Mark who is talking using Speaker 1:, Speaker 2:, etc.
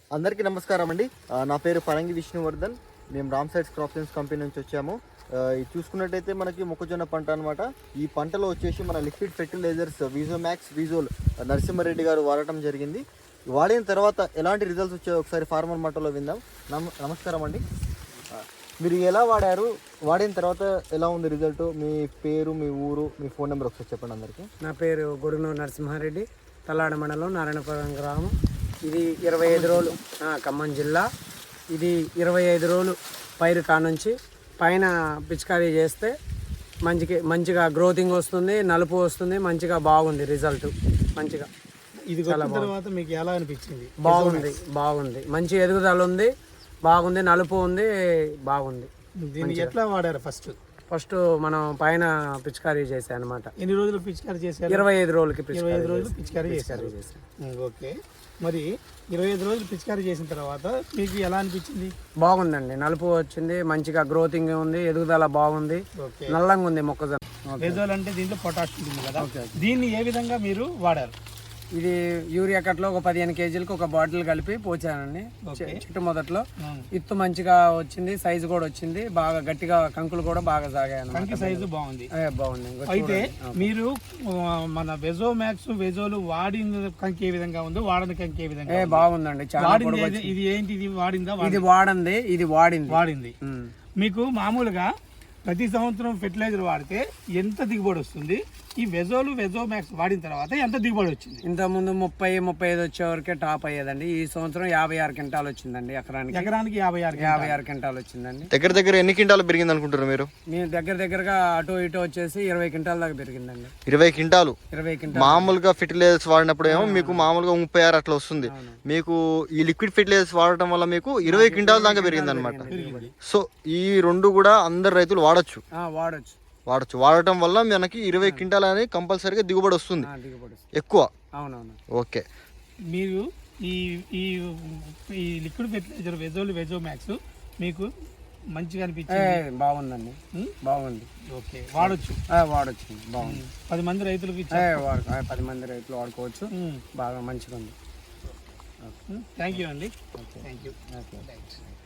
Speaker 1: అందరికీ నమస్కారం అండి. నా పేరు పరంగి విష్ణువర్ధన్. మేము Ram sides crop science company నుంచి వచ్చాము. ఇది చూసుకున్నట్టయితే మనకి మొక్కజొన్న పంట అనమాట. ఈ పంటలో వచ్చేసి మన లిక్విడ్ ఫెర్టిలైజర్స్ విజోమాక్స్, విజోల్ నరసింహారెడ్డి గారు వాడటం జరిగింది. వాడిన తర్వాత ఎలాంటి రిజల్ట్స్ వచ్చాయో ఒకసారి ఫార్మర్ మాటలో విందాం. నమస్కారం అండి. మీరు ఎలా వాడారు, వాడిన తర్వాత ఎలా ఉంది రిజల్ట్? మీ పేరు, మీ ఊరు, మీ ఫోన్ నెంబర్ ఒకసారి చెప్పండి అందరికీ.
Speaker 2: నా పేరు గొడునూరు నరసింహారెడ్డి, తల్లాడ మండలం, నారాయణపురం గ్రామం. ఇది 25 రోజులు, ఖమ్మం జిల్లా. ఇది 25 రోజులు పైరు కానుంచి పైన పిచికారీ చేస్తే మంచిగా గ్రోతింగ్ వస్తుంది, నలుపు వస్తుంది, మంచిగా బాగుంది రిజల్ట్. మంచిగా
Speaker 3: ఇది తర్వాత మీకు ఎలా అనిపించింది?
Speaker 2: బాగుంది, మంచి ఎదుగుదల ఉంది, బాగుంది, నలుపు ఉంది, బాగుంది.
Speaker 3: దీన్ని ఎట్లా వాడారు? ఫస్ట్
Speaker 2: మనం పైన పిచికారీ చేసాం అనమాట.
Speaker 3: ఎన్ని రోజులు పిచికారీ చేశారు?
Speaker 2: 25 రోజులకి
Speaker 3: 25 రోజులు పిచికారీ చేశారు. ఓకే, మరి 25 రోజులు పిచికారీ చేసిన తర్వాత మీకు ఎలా అనిపించింది?
Speaker 2: బాగుందండి, నలుపు వచ్చింది, మంచిగా గ్రోతింగ్ ఉంది, ఎదుగుదల బాగుంది, నల్లంగా ఉంది మొక్కజొన్న.
Speaker 3: వెజోల్ అంటే దీంట్లో పొటాష్ ఉంటుంది కదా, దీన్ని ఏ విధంగా మీరు వాడారు?
Speaker 2: ఇది యూరియా కట్లో ఒక 15 కేజీలకు ఒక బాటిల్ కలిపి పోచానండి. చెట్టు మొదట్లో ఇత్తు మంచిగా వచ్చింది, సైజు కూడా వచ్చింది, బాగా గట్టిగా కంకులు కూడా బాగా సాగాయి.
Speaker 3: కంకి సైజు బాగుంది.
Speaker 2: అయితే
Speaker 3: మీరు మన వెజోమాక్స్, వెజోలు వాడిన కంకి ఏ విధంగా ఉందో వాడని కంకి ఏ విధంగా?
Speaker 2: బాగుందండి, చాలా.
Speaker 3: ఇది ఏంటి? ఇది వాడిందా?
Speaker 2: ఇది వాడింది.
Speaker 3: మీకు మామూలుగా ప్రతి సంవత్సరం ఫెర్టిలైజర్ వాడితే ఎంత దిగుబడి వస్తుంది? ఈ వెజోమాక్స్ వాడిన తర్వాత ఎంత దిగుబడి వచ్చింది?
Speaker 2: ఇంతకుముందు 30-35 వచ్చే వరకే టాప్ అయ్యేదండి. ఈ సంవత్సరం 56 క్వింటాలు వచ్చిందండి. ఎకరానికి 56 క్వింటాలు వచ్చిందండి.
Speaker 1: దగ్గర ఎన్ని క్వింటాలు పెరిగింది అనుకుంటారు మీరు?
Speaker 2: మేము దగ్గరగా అటు ఇటు వచ్చేసి 20 క్వింటాల దాకా పెరిగిందండి.
Speaker 1: 20 క్వింటాలు. మామూలుగా ఫెర్టిలైజర్స్ వాడినప్పుడు ఏమో మీకు మామూలుగా 36 అట్లా వస్తుంది. మీకు ఈ లిక్విడ్ ఫెర్టిలైజర్స్ వాడటం వల్ల మీకు 20 క్వింటాల దాకా పెరిగింది అనమాట. సో ఈ రెండు కూడా అందరు రైతులు వాడచ్చు. వాడటం వల్ల మనకి 20 క్వింటాల్ అనేది కంపల్సరీగా దిగుబడి వస్తుంది, ఎక్కువ.
Speaker 2: అవునవును.
Speaker 1: ఓకే,
Speaker 3: మీరు ఈ లిక్విడ్ ఫెర్టిలైజర్ వెజోమాక్స్ మీకు మంచిగా అనిపించింది?
Speaker 2: బాగుందండి, బాగుంది.
Speaker 3: ఓకే, వాడచ్చు.
Speaker 2: బాగుంది.
Speaker 3: 10 మంది రైతులకు
Speaker 2: 10 మంది రైతులు వాడుకోవచ్చు. బాగా మంచిగా ఉంది.
Speaker 3: థ్యాంక్ యూ అండి. Thank you.